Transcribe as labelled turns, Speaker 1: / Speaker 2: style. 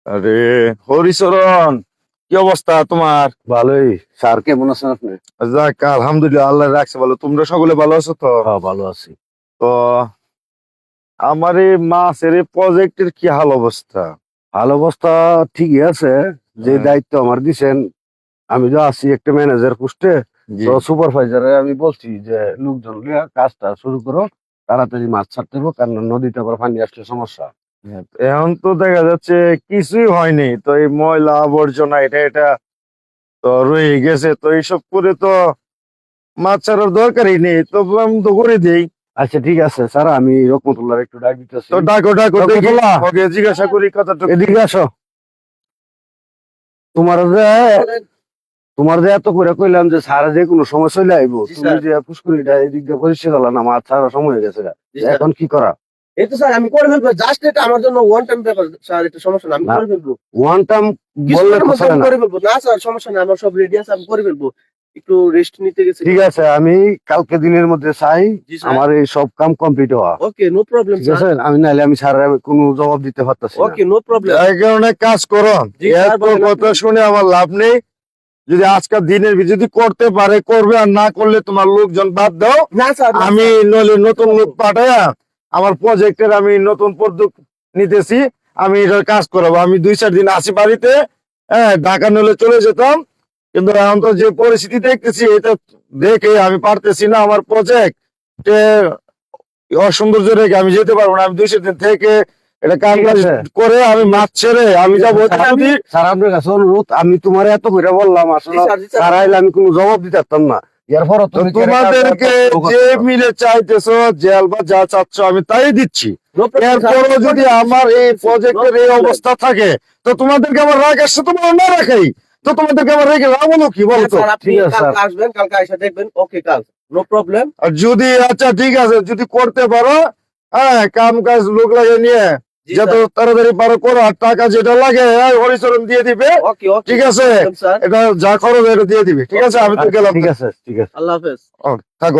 Speaker 1: আরে হরিচরণ, কি অবস্থা তোমার?
Speaker 2: ভালোই। স্যার কেমন আছেন আপনি?
Speaker 1: যাক, আলহামদুলিল্লাহ, আল্লাহ রাখছে ভালো। তোমরা সকলে ভালো আছো তো?
Speaker 2: হ্যাঁ, ভালো আছি।
Speaker 1: তো আমার এই মাছের এই প্রজেক্টের কি হাল অবস্থা?
Speaker 2: ভালো অবস্থা ঠিকই আছে। যে
Speaker 1: হ্যাঁ।
Speaker 2: দায়িত্ব আমার দিছেন, আমি তো আছি একটা ম্যানেজার পোস্টে।
Speaker 1: জি।
Speaker 2: তো সুপারভাইজারে আমি বলছি যে লোকজন লিয়া কাজটা শুরু করো, তাড়াতাড়ি মাছ ছাড়তে হবে, কারণ নদীতে আবার পানি আসলে সমস্যা।
Speaker 1: এখন তো দেখা যাচ্ছে কিছুই হয়নি, তো এই ময়লা আবর্জনা এটা এটা তো রয়ে গেছে, তো এইসব করে তো মাছ ছাড়ার দরকারই নেই, তো আমি তো করে দিই।
Speaker 2: আচ্ছা ঠিক আছে স্যার, আমি রকমতুল্লাহ একটু ডাক দিতেছি।
Speaker 1: তো ডাকো ডাকো দেখি,
Speaker 2: রহমতুল্লাহ।
Speaker 1: ওকে জিজ্ঞাসা করি কথাটা।
Speaker 2: এদিকে আসো। তোমার যে তোমার যে এত করে কইলাম যে স্যার যে কোনো সময় চলে আইবো,
Speaker 3: জি,
Speaker 2: তুমি
Speaker 3: স্যার।
Speaker 2: যে পুষ্করিটা এদিক দিয়ে পরিষ্কার হলো না, মাছ ছাড়ার সময় হয়ে গেছে।
Speaker 3: জি, স্যার।
Speaker 2: এখন কি করা?
Speaker 3: এই তো স্যার আমি করে ফেলবো, জাস্ট এটা আমার জন্য ওয়ান টাইম ব্যাপার স্যার, এটা সমস্যা না, আমি
Speaker 2: না।
Speaker 3: করে ফেলবো।
Speaker 2: ওয়ান টাইম বললে
Speaker 3: কিছুক্ষণের
Speaker 2: তো
Speaker 3: মধ্যে
Speaker 2: চলে
Speaker 3: আমি
Speaker 2: না।
Speaker 3: করে ফেলবো। না স্যার সমস্যা না, আমার সব রেডি আছে, আমি করে ফেলবো। একটু রেস্ট নিতে গেছি।
Speaker 2: ঠিক আছে, আমি কালকে দিনের মধ্যে চাই
Speaker 3: জি স্যার।
Speaker 2: আমার এই সব কাম কমপ্লিট হওয়া।
Speaker 3: ওকে, নো প্রবলেম
Speaker 2: ঠিক আছে,
Speaker 3: স্যার।
Speaker 2: আমি নাহলে আমি স্যার কোনো জবাব দিতে পারতাছি না।
Speaker 3: Okay, no problem.
Speaker 1: এই কারণে কাজ করো,
Speaker 3: জি, স্যার,
Speaker 1: এত
Speaker 3: বলেন
Speaker 1: কথা
Speaker 3: আপনি।
Speaker 1: শুনে আমার লাভ নেই। যদি আজকের দিনের যদি করতে পারে করবে, আর না করলে তোমার লোকজন বাদ দাও।
Speaker 3: না স্যার, না,
Speaker 1: আমি
Speaker 3: স্যার।
Speaker 1: নইলে নতুন লোক পাঠায়া আমার প্রজেক্টের আমি নতুন পদ্ধতি নিতেছি, আমি এটার কাজ করাবো। আমি 2-4 দিন আসি বাড়িতে, হ্যাঁ, ঢাকা নইলে চলে যেতাম, কিন্তু এখন তো যে পরিস্থিতি দেখতেছি এটা দেখে আমি পারতেছি না। আমার প্রজেক্ট অসৌন্দর্য রেখে আমি যেতে পারবো না। আমি 2-4 দিন থেকে এটা কাজ
Speaker 2: ঠিক আছে।
Speaker 1: করে আমি মাছ ছেড়ে আমি যাবো। যদি
Speaker 2: স্যার আপনার কাছে অনুরোধ, আমি তোমার এত করে বললাম, আসলে
Speaker 3: জি, স্যার, জি, স্যার।
Speaker 2: স্যার আইলে আমি কোনো জবাব দিতে পারতাম না। এরপর
Speaker 1: তো তোমাদেরকে যে মিলে চাইতেছো, জেল বা যা চাচ্ছ আমি তাই দিচ্ছি।
Speaker 3: No problem, sir.
Speaker 1: এরপরও যদি আমার এই প্রজেক্টের এই অবস্থা থাকে, তো তোমাদেরকে আমার রাগ আসছে, তোমার না রাখাই, তো তোমাদেরকে আমার রেখে লাভ হলো কি বলো তো?
Speaker 3: স্যার, আপনি
Speaker 2: ঠিক আছে,
Speaker 3: কালকে আসবেন, কালকে এসে দেখবেন। ওকে, কাল নো প্রবলেম।
Speaker 1: আর যদি আচ্ছা ঠিক আছে, যদি করতে পারো, হ্যাঁ, কাম কাজ লোক লাগে নিয়ে
Speaker 3: জি
Speaker 1: যত
Speaker 3: স্যার।
Speaker 1: তাড়াতাড়ি পারো করো, আর টাকা যেটা লাগে হরিচরণ দিয়ে দিবে।
Speaker 3: ওকে, ওকে,
Speaker 1: ঠিক আছে,
Speaker 3: স্যার।
Speaker 1: এটা যা খরচ এটা দিয়ে দিবে। ঠিক আছে, আমি তো গেলাম।
Speaker 2: ঠিক আছে, ঠিক আছে।
Speaker 3: আল্লাহ হাফেজ।
Speaker 1: ও, থাকো।